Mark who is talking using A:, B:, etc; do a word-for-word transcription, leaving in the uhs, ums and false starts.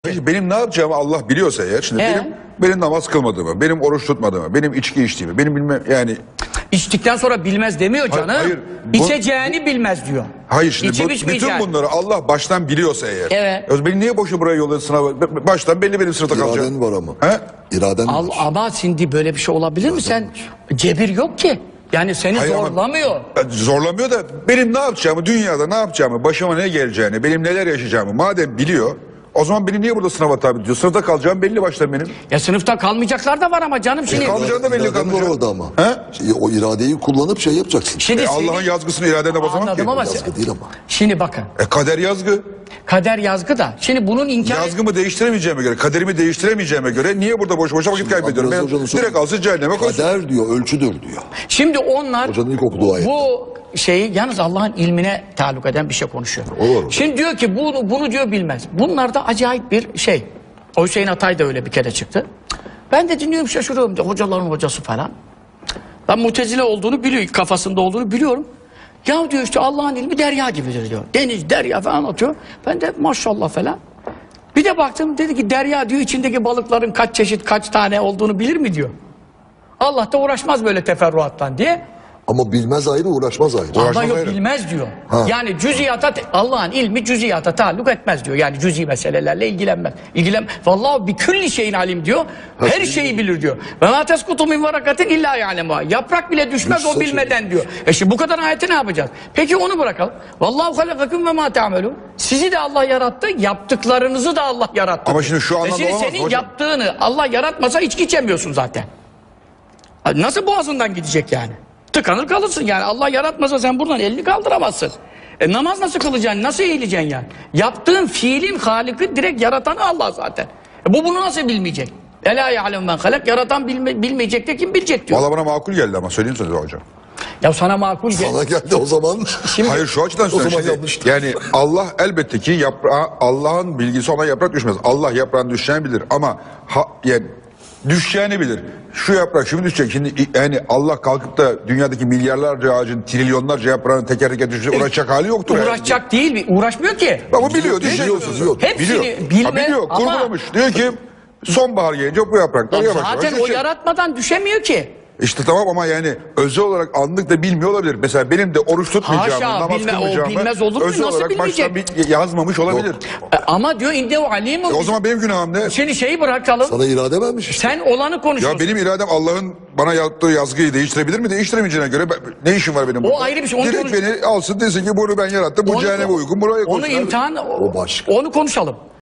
A: Peki benim ne yapacağımı Allah biliyorsa eğer, şimdi
B: Ee?
A: benim benim namaz kılmadığımı, benim oruç tutmadığımı, benim içki içtiğimi, benim bilmem yani
B: İçtikten sonra bilmez demiyor canım.
A: Hayır, hayır, bu-
B: İçeceğini bilmez diyor.
A: hayır şimdi
B: İçip
A: bu, bütün
B: içmeyeceğini.
A: bunları Allah baştan biliyorsa eğer.
B: Evet.
A: Ya beni niye boşu buraya yolladı sınava? Baştan belli benim sınıfta kalacağım.
C: İraden var ama.
A: He?
C: İraden
B: Al,
C: var.
B: ama şimdi böyle bir şey olabilir mi? Sen cebir yok ki. Yani seni
A: Hayır ama-
B: zorlamıyor.
A: Zorlamıyor da benim ne yapacağımı, dünyada ne yapacağımı, başıma ne geleceğini, benim neler yaşayacağımı madem biliyor, o zaman beni niye burada sınava tabi tutuyor? Sınıfta kalacağım belli baştan benim.
B: Ya sınıfta kalmayacaklar da var ama canım şimdi.
A: kalmayacak da belli
C: İraden var
A: kalmayacak.
C: orada ama.
A: He?
C: Şey, o iradeyi kullanıp şey yapacaksın.
B: Şimdi
A: E,
B: senin-
A: Allah'ın yazgısını iradene basamam ki.
B: Anladım ama
C: Yazgı değil ama.
B: şimdi bakın.
A: E, kader yazgı.
B: Kader yazgı da. Şimdi bunun inkar
A: Yazgımı değiştiremeyeceğime göre, kaderimi değiştiremeyeceğime göre niye burada boş boşa vakit kaybediyorum?
C: Abdülaziz
A: Ben
C: Hoca'nın sözü-
A: direkt alsın cehenneme koysun.
C: Kader diyor, ölçüdür diyor.
B: Şimdi onlar
C: Hocanın ilk okuduğu ayet.
B: bu şeyi yalnız Allah'ın ilmine taluk eden bir şey konuşuyor.
C: Olur.
B: Şimdi diyor ki bunu, bunu diyor bilmez. Bunlar da acayip bir şey. O Hüseyin Atay da öyle bir kere çıktı. Ben de dinliyorum şaşırıyorum diyor. Hocaların hocası falan. Ben Mutezile olduğunu biliyor, kafasında olduğunu biliyorum. Ya diyor işte Allah'ın ilmi derya gibidir diyor. Deniz, derya falan atıyor. Ben de maşallah falan. Bir de baktım dedi ki derya diyor içindeki balıkların kaç çeşit kaç tane olduğunu bilir mi diyor. Allah da uğraşmaz böyle teferruattan diye.
C: Ama bilmez ayrı, uğraşmaz ayrı.
B: Allah
A: Uğraşmaz
B: yok
A: ayrı.
B: bilmez diyor.
C: Ha.
B: Yani cüziyata Allah'ın ilmi cüziyata taalluk etmez diyor. Yani cüzi meselelerle ilgilenmez. İlgilen Vallahi bir külli şeyin alim diyor. Her şeyi bilir diyor. Ve ma teskutu min varakatin illa ya'lemuha. Yaprak bile düşmez o
C: Düşse
B: bilmeden diyor. E şimdi bu kadar ayeti ne yapacağız? Peki onu bırakalım. Vallahu halakakum ve ma ta'melun. Sizi de Allah yarattı, yaptıklarınızı da Allah yarattı.
A: Ama
B: diyor.
A: şimdi şu
B: E
A: anlamda
B: şimdi
A: olamaz
B: senin
A: hocam.
B: yaptığını Allah yaratmasa içki içemiyorsun zaten. Nasıl boğazından gidecek yani? Tıkanır kalırsın yani. Allah yaratmasa sen buradan elini kaldıramazsın. E namaz nasıl kılacaksın? Nasıl eğileceksin yani? Yaptığın fiilin haliki direkt yaratanı Allah zaten. E bu bunu nasıl bilmeyecek? Ela ya'lem men halak. Yaratan bilme, bilmeyecek de kim bilecek diyor.
A: Valla bana makul geldi ama söyleyeyim size hocam.
B: Ya sana makul gel.
C: Sana geldi o zaman.
A: Hayır şu açıdan
C: O zaman
A: söyleyeyim.
C: yanlıştı.
A: Yani Allah elbette ki yaprağı, Allah'ın bilgisi ona yaprak düşmez. Allah yaprağın düşeceğini bilir ama ha, yani düşeceğini bilir. Şu yaprak şimdi düşecek. Şimdi yani Allah kalkıp da dünyadaki milyarlarca ağacın, trilyonlarca yaprağın teker teker düşecek uğraşacak hali yoktur. yani.
B: Uğraşacak değil, uğraşmıyor ki.
A: Ama biliyor, düşecek.
C: Biliyor, biliyor.
B: Hepsini
A: Biliyor.
B: bilme
A: Ha, biliyor,
B: ama-
A: kurgulamış. Diyor ki sonbahar gelince bu yapraklar
B: Ya
A: yavaş yavaş
B: zaten o
A: düşecek.
B: yaratmadan düşemiyor ki.
A: İşte tamam ama yani özel olarak anlık da bilmiyor olabilir. Mesela benim de oruç tutmayacağımı,
B: Haşa,
A: namaz
B: bilme- o
A: kılmayacağımı
B: bilmez olur mu?
A: özel
B: Nasıl
A: olarak baştan
B: bilmeyecek?
A: bir yazmamış olabilir.
B: E, ama diyor indehu alimun.
A: E o zaman benim günahım ne?
B: Seni şeyi bırakalım.
C: Sana irade vermiş işte.
B: Sen olanı konuşuyorsun.
A: Ya benim iradem Allah'ın bana yaptığı yazgıyı değiştirebilir mi? Değiştiremeyeceğine göre ben- ne işim var benim burada?
B: ayrı bir şey, onu
A: Direkt
B: konuş-
A: beni alsın desin ki bunu ben yarattım. Bu
B: Onu-
A: cehenneme uygun. Buraya
B: Onu
A: koysun.
B: imtihan,
C: O başka.
B: onu konuşalım.